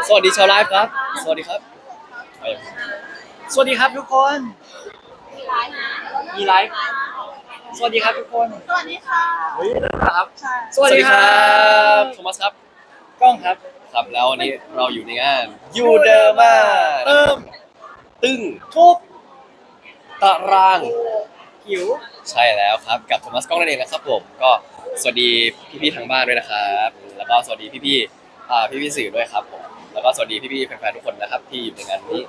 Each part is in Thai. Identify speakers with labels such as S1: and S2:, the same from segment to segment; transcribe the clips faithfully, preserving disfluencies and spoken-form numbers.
S1: สวัสดีชาวไลฟ์ครับสวัสดีครับ
S2: สวัสดีครับทุกคนมีไลฟ์สวัสดีครับทุกคน
S3: สวัสดีค่ะ
S2: เฮ้ยนะครับ
S1: สวัสดีครับโทมัสครับ
S2: กล้องครับ
S1: ครับแล้ววันนี้เราอยู่ในงานยูเดอร์มา
S2: เติม
S1: ตึ้ง
S2: ทุบ
S1: ตาราง
S2: หิว
S1: ใช่แล้วครับกับโทมัสกล้องนั่นเองนะครับผมก็สวัสดีพี่ๆทางบ้านด้วยนะครับแล้วก็สวัสดีพี่ๆอ่าพี่ๆสื่อด้วยครับผมแล้วก็สวัสดีพี่ๆแฟนๆทุกคนนะครับที่อยู่ในงานนี้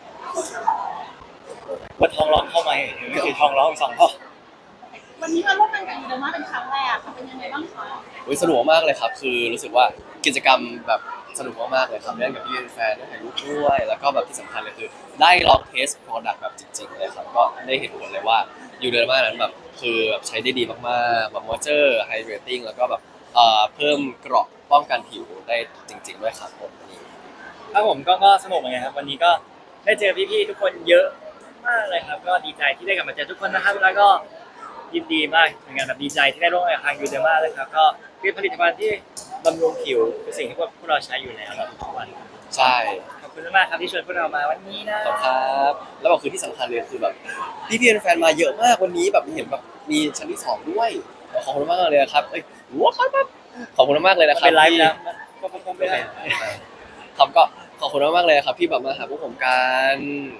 S2: ว่าทองร้องเข้ามาไม่ใช่ทองร้องสองพ่อ
S3: วันนี้มาร่วมงานกับยูเดอร์มาเป็นครั้งแรกค่ะเป็นยังไงบ้างคะ
S1: อุ๊ยสนุกมากเลยครับคือรู้สึกว่ากิจกรรมแบบสนุกมากๆเลยครับเล่นกับพี่แฟนได้ถ่ายรูปด้วยแล้วก็แบบที่สำคัญเลยคือได้ลองเทสโปรดักต์แบบจริงๆเลยครับก็ได้เห็นผลเลยว่ายูเดอร์มานั้นแบบคือแบบใช้ได้ดีมากๆแบบมอยเจอร์ไฮเดรตติ้งแล้วก็แบบเอ่อเพิ่มเกราะป้องกันผิวได้จริงๆด้วยครับผมนี่
S2: ครับผมก็ก็สนุกเหมือนกันครับวันนี้ก็ได้เจอพี่ๆทุกคนเยอะมากเลยครับก็ดีใจที่ได้กลับมาเจอทุกคนนะครับแล้วก็ยินดีมากเหมือนกันแบบดีใจที่ได้ร่วมงานกับทางยูเดอร์มาเลยครับก็เป็นผลิตภัณฑ์ที่บำรุงผิวเป็นสิ่งที่พวกเราใช้อยู่แล้วทุกวัน
S1: ใช่
S2: ขอบคุณมากครับที่ชวนพวกเรามาวันนี้นะ
S1: ขอบคุณครับแล้วก็คือที่สำคัญเลยคือแบบพี่ๆแฟนๆมาเยอะมากวันนี้แบบเห็นแบบมีชั้นที่สองด้วยขอบคุณมากเลยครับเอ้ยว้าวขอบคุณมากเลยนะครับ
S2: เป็นไลฟ์นะก็คงไม่ได้
S1: ครับก็ขอบคุณมากๆเลยครับที่แบบมาหาพวกผมกัน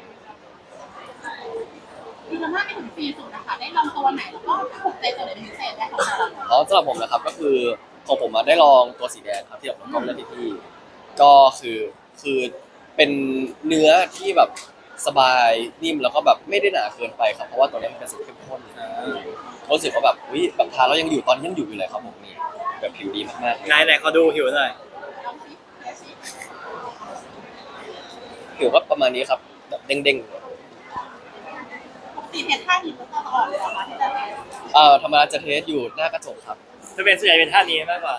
S3: ยูเดอร์มาไปถึงปีสุดนะคะได้ลองตัวไหนแล้วก็ถูกใจตัวไหนเป็นพิเศษไหมคะ
S1: อ๋อสำหรับผมนะครับก็คือของผมมาได้ลองตัวสีแดงครับที่แบบน้องกล้องเลือกพี่ๆก็คือคือเป็นเนื้อที่แบบสบายนิ่มแล้วก็แบบไม่ได้หนาเกินไปครับเพราะว่าตัวนี้มันเป็นสูตรเข้มข้นรู้สึกว่าแบบวิแบบทานแล้วยังอยู่ตอนนี้ยังอยู่อยู่เลยครับผมนี่แบบผิวดีมากๆ
S2: ไหนไหนขอดูผิวหน่อย
S1: ผิวก็ประมาณนี้ครับแบบเด้งๆ
S3: สีเทสท่าหินก็ต้องออกเลยเหรอคะที่จะ
S1: เอ่อธรรมดาจะเทสอยู่หน้ากระจกครับ
S2: จะเป็นส่วนใหญ่เป็นท่านี้มากกว่า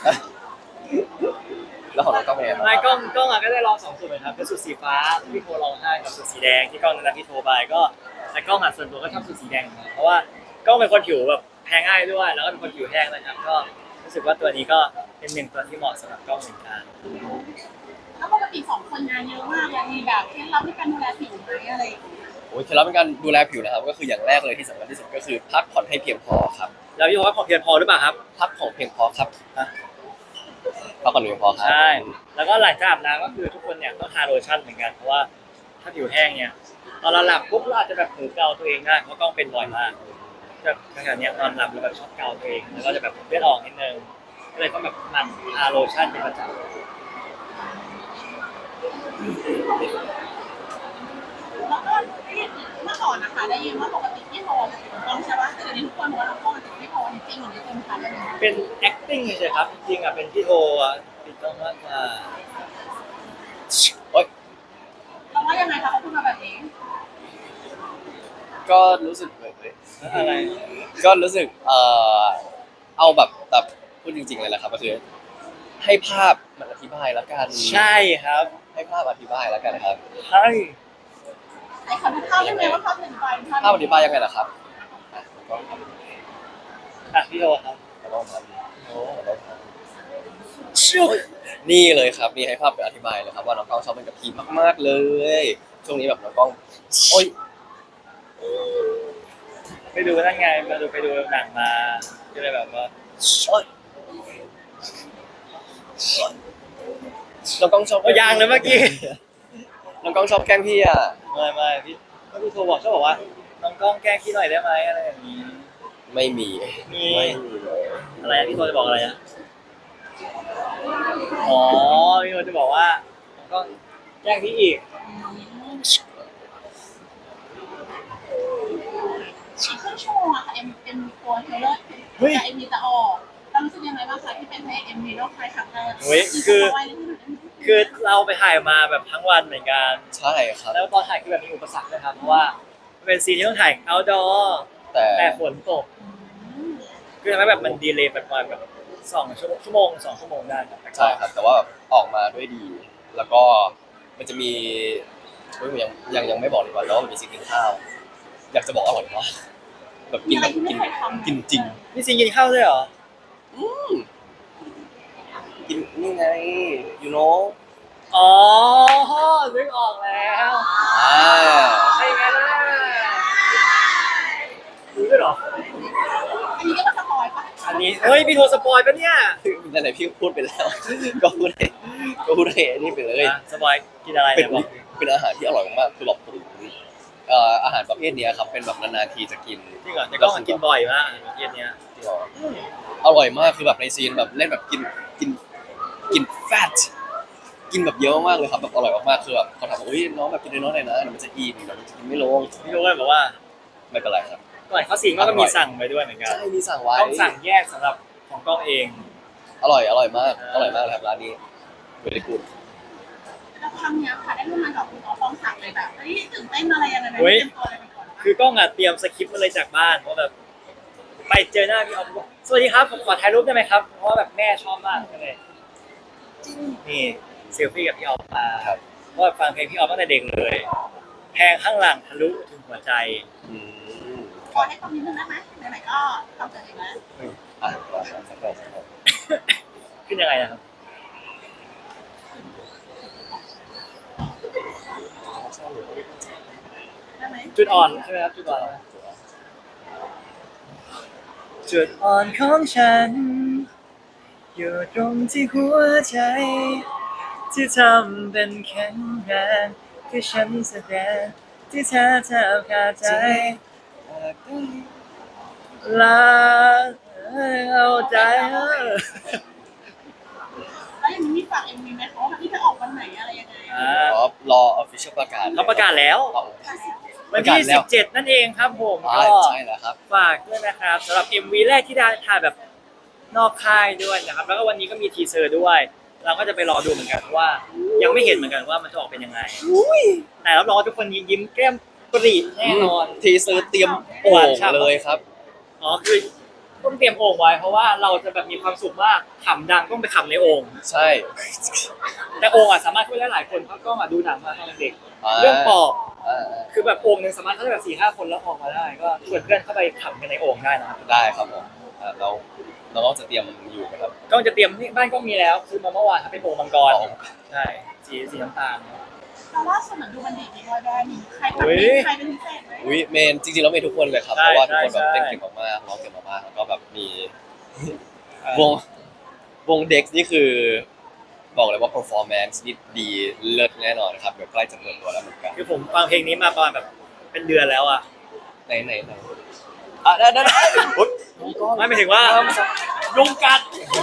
S1: แล้วของเราก็เป็นไงครับ
S2: ไม่กล้องกล้องก็ได้ลองสองสูตรเหมือนกันเป็นสูตรสีฟ้าที่พี่โทรลองให้กับสูตรสีแดงที่กล้องนั้นพี่โทรไปก็แต่กล้องหัดส่วนตัวก็ชอบสูตรสีแดงเพราะว่ากล้องเป็นคนผิวแบบแพ้ง่ายด้วยแล้วก็เป็นคนผิวแห้งนะครับก็รู้สึกว่าตัวนี้ก็เป็นหนึ่งตัวที่เหมาะสำหรับกล้องเหมือนกัน
S3: แล้วปกติสองคนงานเยอะมากเลยมีแบบเคล็ดลับในการดูแลผิวไหมอะไรอย่างเงี้ย
S1: โอ้ยเคล็ดลับในการดูแลผิวนะครับก็คืออย่างแรกเลยที่สำคัญที่สุดก็คือพักผ่อนให้เพียงพอครับ
S2: แล้วพี่โทรว่าพอเพียงพอหรือเปล่าครับ
S1: พักผ่อนเพียงพอครับพักผ่อนเพียงพอครับ
S2: ใช่แล้วก็หลังจากอาบน้ำก็คือทุกคนเนี่ยต้องทาโลชั่นเหมือนกันเพราะว่าถ้าผิวแห้งเนี่ยตอนเราหลับปุ๊บเราอาจจะแบบเผลอเกาตัวเองได้เพราะกล้องเป็นบ่อยมากแบบขณะนี้นอนหลับแล้วแบบชอบเกาตัวเองแล้วก็จะแบบเลือดออกนิดนึงก็เลยต้องแบบหมั่นทาโลชั่นเป็นประจำ
S3: แล้วก็เมื่อก่อนนะคะได้ยินว่าปกติที่โทรต้องใช่ป่ะแต่เดี๋ยวนี้ทุกคนบอกว่าเราโทรติดที่โทรจริงหรือไม่จริงคะเรื่องนี้
S2: เป็น acting เฉยๆครับจริงๆอ่ะเป็นพี่โทอ่ะติดต้องมากกว่า
S1: โอ๊ย
S3: เราว่ายังไงคะเขาพูดมาแบบนี้
S1: ก็รู้สึกเลย
S2: อะไร
S1: ก็รู้สึกเอ่อเอาแบบแบบพูดจริงๆเลยแหละครับก็คือให้ภาพมันอธิบายแล้วกัน
S2: ใช่ครับ
S1: ให้ภาพอธิบายแล้วกันครับ
S2: ใช่
S3: ไอ้เขาดูภาพยังไงว่าเขาถึงไป
S1: ภาพอธิบายยังไงล่ะครับ
S2: อ่ะพี่โทครับ
S1: ต้องทำโอ้ต้องทำนี่เลยครับนี่ให้ภาพเป็นอธิบายเลยครับว่าน้องกล้องชอบเป็นกับพีมากๆเลยช่วงนี้แบบน้องกล้องโอ๊ย
S2: ไปดูนั่นไงมาดูไปดูหนังมาก็เลยแบบว่า
S1: น้องกล้องชอบ
S2: ยางเลยเมื่อกี้
S1: น้องกล้องชอบแกล้งพี่อ่ะ
S2: ไม่ไม่พี่ก็พี่โทรบอกชอบบอกว่าน้องกล้องแกล้งพี่หน่อยได้ไหมอะไรอย่างนี้
S1: ไม่มี
S2: มีอะไรพี่โทรจะบอกอะไรอ่ะอ๋อพี่โทรจะบอกว่าน้องกล้องแกล้งพี่อีก
S3: อีกครึ่งชั่วโมงอะค่ะเอ็มเอ็มตัวเทเลอร์แต่เอ็มมีจะออกเรารู้สึกยังไงบ้างคะที่เป็นให้เอ็มมีโรคไข้ครั้งแรก
S2: คือคือเราไปถ่ายมาแบบทั้งวันเหมือนกัน
S1: ใช่ครับ
S2: แล้วตอนถ่ายคือแบบมีอุปสรรคนะครับเพราะว่าเป็นซีนที่ต้องถ่าย outdoor
S1: แต่
S2: แต่ฝนตกคือทำให้แบบมันดีเลย์ประมาณแบบสองชั่วโมงสองชั่วโมงได้
S1: ใช่ครับแต่ว่าออกมาด้วยดีแล้วก็มันจะมียังยังยังไม่บอกเลยว่าแล้วมันมีซีนกินข้าวอยากจะบอกอร่อยมากแบบกินแบบกินกินจริง
S2: มีซีนกินข้าวด้วยเหรอ
S1: อืมกินนี่ไง you know
S2: อ๋อนึกออกแล้ว
S1: อ่า
S2: ใช่ไหมล่ะรู้ด้วยเหรอ
S3: อันนี้ก็มาสปอยปะ
S2: อันนี้เฮ้ยพี่โทรสปอยปะเนี่ย
S1: นั่นแหละพี่พูดไปแล้ว ก็พูดให้ก็พูดให้อันนี่ไปเลย
S2: อ่ะสปอยกินอะไร
S1: เป็น
S2: เนี่ยบอก
S1: เป็นอาหารที่อร่อยมากๆคือแบบผมเอ่ออาหารประเภทเนี้ยครับเป็นแบบนานๆทีจะกิน
S2: จริงเหรอแต่ก็มันกินบ่อยมากเย็นเนี้ย
S1: อร่อยมากคือแบบในซีนแบบเล่นแบบกินกินกินแฟตกินแบบเยอะมากเลยครับแบบอร่อยมากๆคือแบบเขาถามว่าเฮ้ยน้องแบบกินน้อยๆหน่อยนะเดี๋ยวมันจะอิ่มเดี๋ยวมันจะกินไม่ลง
S2: พี่โทรเลยบอกว่า
S1: ไม่เป็นไรครับ
S2: ก่อนเขาสิงก็มีสั่งไปด้วยเหมือนกัน
S1: ใช่มีสั่งไว้
S2: ต้องสั่งแยกสำหรับของกล้องเอง
S1: อร่อยอร่อยมากอร่อยมากเลยครับร้านนี้เวลิกูด
S3: แล้วครั้งเนี้ยค่ะได้ร่วมงานกับคุณอ๋อฟองศักดิ์เลยแบบเฮ้ยตื่นเต้นอะไรยังไงไหมเตรียมตัวอะไรไปก่อน
S2: คือกล้องอ่ะเตรียมสคริปต์มาเลยจากบ้านเพราะแบบไปเจอหน้าพี่ออฟบอกสวัสดีครับผมขอถ่ายรูปได้ไหมครับเพราะว่าแบบแม่ชอบมากเลยนี่เซลฟี่กับพี่ออฟมา
S1: ครับ
S2: เพราะว่าฟังเพลงพี่ออฟตั้งแต่เด็กเลยแพงข้างหลังทะลุถึงหัวใจ
S1: อืม
S3: ขอให้ความนิดนึงได้ไหมไหนๆก็ทำเสร็จแล้ว
S1: อ่ะสักหน่อยสักหน่อย
S2: ขึ้นยังไงนะครับ
S3: ได้ไหม
S2: จุดอ่อนใช่ไหมครับจุดอ่อนจุดอ่อนของฉัน อยู่ตรงที่หัวใจ ที่ทำเป็นแข็งแรงที่ฉันแสดงที่เธอเธอขาดใจลาเอาใจเออ
S3: แล้วยังมีฝากเอ็มวีไหมเขาที่จะออกวันไหนอะไรยังไง
S2: อ่า
S1: อ๋อรอ official ประกาศ
S2: เขาประกาศแล้ว
S1: เอา
S2: วันที่สิบเจ็ดนั่นเองครับผม
S1: อ่า
S2: ก็
S1: ใช่แล้วครับ
S2: ฝากด้วยนะครับสำหรับ เอ็ม วี แรกที่ได้ถ่ายแบบนอกค่ายด้วยนะครับ แล้วก็วันนี้ก็มีทีเซอร์ด้วย เราก็จะไปรอดูเหมือนกันเพราะว่ายังไม่เห็นเหมือนกันว่ามันจะออกเป็นยังไงแต่รับรองว่าทุกคนยิ้มแก้มปรีแน่นอน
S1: ทีเซอร์เตรียมโอ่งเลยครับ
S2: อ๋อคือต้องเตรียมโอ่งไว้เพราะว่าเราจะแบบมีความสุขมากขำดังต้องไปขำในโอ่ง
S1: ใช่
S2: แต่โอ่งอ่ะสามารถช่วยได้หลายคนเพราะกล้องอ่ะดูหนังมาตอนเด็ก
S1: า
S2: เรื่องปอบ
S1: อ่า
S2: คือแบบโอ่งหนึ่งสามารถเข้าได้แบบสี่ห้าคนแล้วออกมาได้ ก็ชวนเพื่อนเข้าไปขำกันในโอ่งได้นะครับ
S1: ได้ครับผมอ่าเราเราก็จะเตรียมอยู่นะครับ
S2: ก็จะเตรียมที่บ้านก็มีแล้วซื้อมาเมื่อวานครับเป็นโอ่งมังกร
S1: อ๋อ
S2: ใช่สีสีน้ำตาล
S3: แต่ล่าสุดเหมือนดูมันดีมีบอยแบนด์มีใคร
S2: อุ๊ย
S3: ใครเป็นพิเศษไหม
S1: อุ้ยเมนจริงๆแล้วเมนทุกคนเลยครับ
S2: ใช่
S1: เพราะว่าทุกคน
S2: ใช่
S1: แบบ
S2: ใช่
S1: เต้นเก่งมากๆร้องเก่งมากๆแล้วก็แบบมีวงวงเด็กนี่คือ บอกเลยว่า performance นี่ดีเลิศแน่นอนครับเดี๋ยวใกล้จะเปิดตัวแล้วเหมือนกัน
S2: คือผมฟังเพลงนี้มาประมาณแบบเป็นเดือนแล้วอ่ะ
S1: ไหนไหนไหนอ่ะได้ได้ได้อุ๊ย
S2: ไม่หมายถึงว่ายุงกัด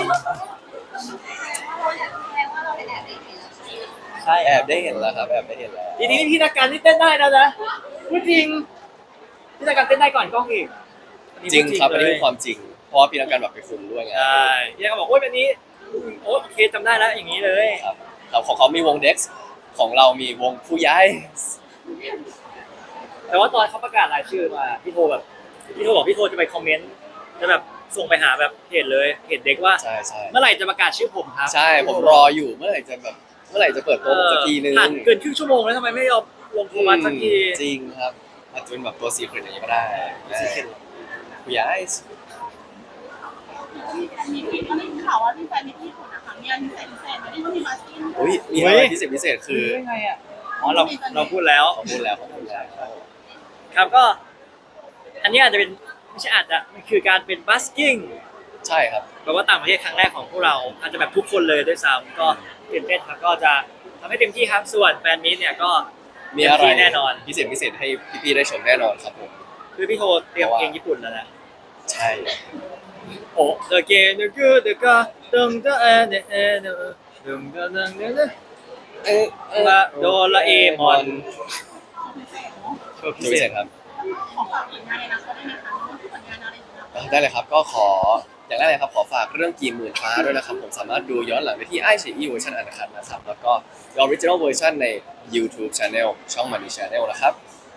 S2: ใช่
S1: แอบได้เห็นแล้วครับแอบได้เห็นแล้ว
S2: ทีนี้พี่นักการที่เต้นได้แล้วนะพูดจริงพี่นักการเต้นได้ก่อนกล้องอีกอันนี้
S1: จริงครับ
S2: พู
S1: อั
S2: ด
S1: นนี้
S2: เล
S1: เป็
S2: ย
S1: นความจริง เพราะว่าพี่นักการแบบไปคุมด้วยไง
S2: ใช่พี่นักการบอกโอ้ยแบบนี้โอ้โอเคจำได้แล้วอย่างนี้เลย
S1: ครับเราของเขามีวงเด็กของเรามีวงผู้ย้าย
S2: แต่ว่าตอนเขาประกาศรายชื่อมาพี่โทรแบบพี่โทรบอกพี่โทรจะไปคอมเมนต์จะแบบส่งไปหาแบบเพจเลยเพจเด็กว่า
S1: ใช่ใช่
S2: เมื่อไหร่จะประกาศชื่อผมครับ
S1: ใช่ผมรออยู่เมื่อไหร่จะแบบเมื่อไหร่จะเปิดตัวผมสักทีนึง
S2: ผ่านเกินครึ่งชั่วโมงแล้วทำไมไม่ยอมลงโทรมาสักที
S1: จริงครับอาจจะเป็นแบบตัวซีเครตอย่างนี้ก็ได้ผู้ย้าย
S3: มีที่เขาได้ข่าวว่าที่แฟนมีที่ญี่ปุ่นนะคะมีอันพิเศษพิเศษไหมที่เขามีมาสติ้ง
S1: อุ้ยมีอะไรพิเศษพิเศษคือ
S2: ได้ไงอ่ะอ๋อเราเราพูดแล้ว
S1: ขอพูดแล้วขอพูดแล้ว
S2: ครับก็ อันนี้อาจจะเป็นไม่ใช่อาจจะมันคือการเป็นบัสกิ้ง
S1: ใช่ครับ
S2: แปลว่าต่างประเทศครั้งแรกของพวกเราอาจจะแบบทุกคนเลยด้วยซ้ำก็ตื่นเต้นครับก็จะทำให้เต็มที่ครับส่วนแฟนมิตเนี่ยก็
S1: มีอะไร
S2: เต็มที่แน่นอน
S1: พิเศษพิเศษให้พี่ๆได้ชมแน่นอนครับผม
S2: คือพี่โทเตรียมเพลงญี่ปุ่นแล้วนะ
S1: ใช่
S2: โอ้เดอะเกนเดอะกูเดอะกาดึงเดอะเอเดเอเดดึงเดอะดึงเดอะ
S1: เอ๊ะ
S2: มาโดราเอมอน
S3: พิเศษเนาะ
S2: โชว์พิ
S1: พิ
S2: เศ
S1: เศ
S2: ษ
S1: ษครับ
S3: ขอฝากผลงานในอนาคตได้ไหมคะผลงานอะไรอยู่นะ
S1: ได้เลยครับก็ขออย่างแรกเลยครับขอฝากเรื่องกี่หมื่นฟ้าด้วยนะครับผมสามารถดูย้อนหลังได้ที่ไอชีอีเวอร์ชันอันคัดนะครับแล้วก็ออริจินอลเวอร์ชันใน YouTube Channel ช่องมันดี Channel นะครับ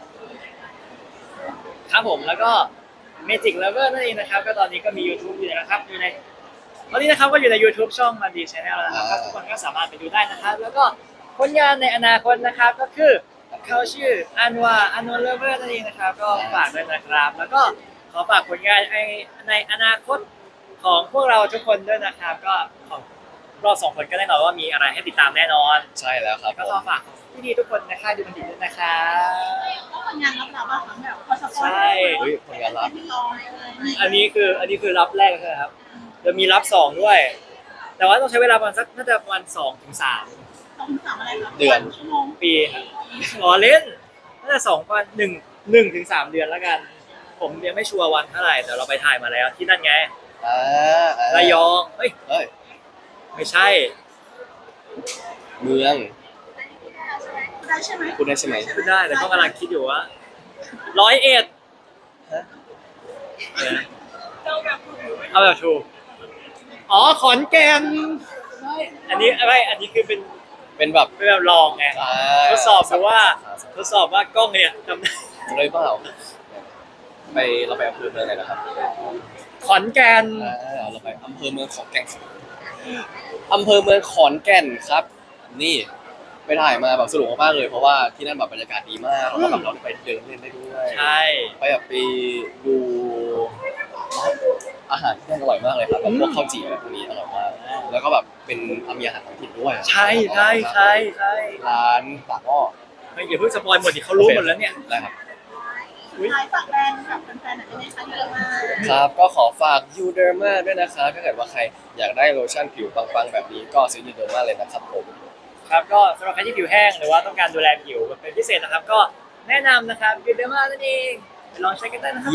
S2: ครับผมแล้วก็ Magic Lover นั่นเองนะครับก็ตอนนี้ก็มี YouTube อยู่นะครับอยู่ในตอนนี้นะครับก็อยู่ใน YouTube ช่องมันดี Channel แล้วนะครับทุกคนก็สามารถไปดูได้นะครับ แล้วก็ผลงานในอนาคตนะครับก็คือเขาชื่ออันวาอันวาเลเวอร์นั่นเองนะครับ ก็ฝากด้วยนะครับ แล้วก็ขอฝากผลงานในในอนาคตของพวกเราทุกคนด้วยนะครับ ก็ขอบเราสองคนก็แน่นอนว่ามีอะไรให้ติดตามแน่นอน
S1: ใช่แล้วครับ
S2: ก็
S1: ผ
S2: ขอ
S1: ม
S2: ฝากพี่ดีทุกคนนะคะดูมันดีด้วยนะคะ
S3: ก็ผลงานรับเราบ้างคะแบบพอสปอย
S2: ใช่
S1: เฮ้ยผลงานลับ
S3: ที่รอเลย
S2: อันนี้คืออันนี้คือรับแรกใช่ไหมครับจะมีรับสองด้วย แต่ว่าต้องใช้เวลาประมาณสักน่าจะประมาณสองถึงสาม
S3: สองถึงสามอะไรคะ
S1: เดือน
S3: ชั่วโมง
S2: ปีครับอ๋อเล่นน่าจะสองประมาณหนึ่งหนึ่งถึงสามเดือนแล้วกัน ผมยังไม่ชัวร์วันเท่าไหร่แต่เราไปถ่ายมาแล้วที่นั่นไง
S1: อ่าอ่า
S2: ระยองเอ้ย
S1: เฮ้ย
S2: ไม่ใช่
S1: เมือง
S3: ได้ใช่ไหม
S1: พูดได้ใช่ไหม
S2: พูดได้แต่ก็กำลังคิดอยู่ว่าร้อยเอ็ด
S1: ฮะ
S2: เอาแบบถูกอ๋อขอนแก่นอันนี้ไม่อันนี้คือเป็น
S1: เป็นแบบ
S2: เป็นแบบลองไง
S1: อ่า
S2: ทดสอบดูว่าทดสอบว่ากล้องเนี่ยทำได้
S1: จะได้เปล่าไปเราไปอำเภอเมืองไหนนะครับ
S2: ขอนแก่น
S1: อ่าเราไปอำเภอเมืองขอนแก่นอำเภอเมืองขอนแก่นครับ นี่ไปถ่ายมาแบบสนุกมากๆเลยเพราะว่าที่นั่นแบบบรรยากาศดีมากแล้วก็แบบเราได้ไปเดินเล่นได้ด้วย
S2: ใช่
S1: ไปแบบไปดูอาหารที่นั่นอร่อยมากเลยครับแบบพวกข้าวจี่อะไรพวกนี้อร่อยมาก แล้วก็แบบเป็นมีอาหารท้องถิ่นด้วย
S2: ใช่ใช่ใช่ใช่
S1: ร้านปากหม้อ
S2: ไม่อย่าเพิ่งสปอยหมดดิเขารู้หมดแล้วเนี่ย
S1: ได้ครับ
S3: ท้ายฝากแบรนด์กับแฟนๆหน่อยได้ไหมคะเยอะมาก
S1: ครับก็ขอฝากยูเดอร์มาด้วยนะครับถ้าเกิดว่าใครอยากได้โลชั่นผิวปังๆแบบนี้ก็ซื้อยูเดอร์มาเลยนะครับผม
S2: ครับก็สำหรับใครที่ผิวแห้งหรือว่าต้องการดูแลผิวแบบเป็นพิเศษนะครับ ก็แนะนำนะครับยูเดอร์มานั่นเองไปลองใช้กันได้นะครับ
S1: เย้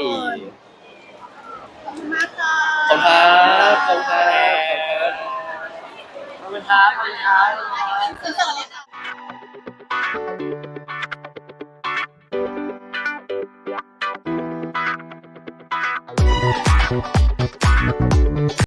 S3: ขอบคุณมากค่ะ
S1: ขอบคุณครับขอบคุณครับ
S2: ขอบคุณครับขอบคุณครับ
S3: คือเสิร์ฟเลยค่ะ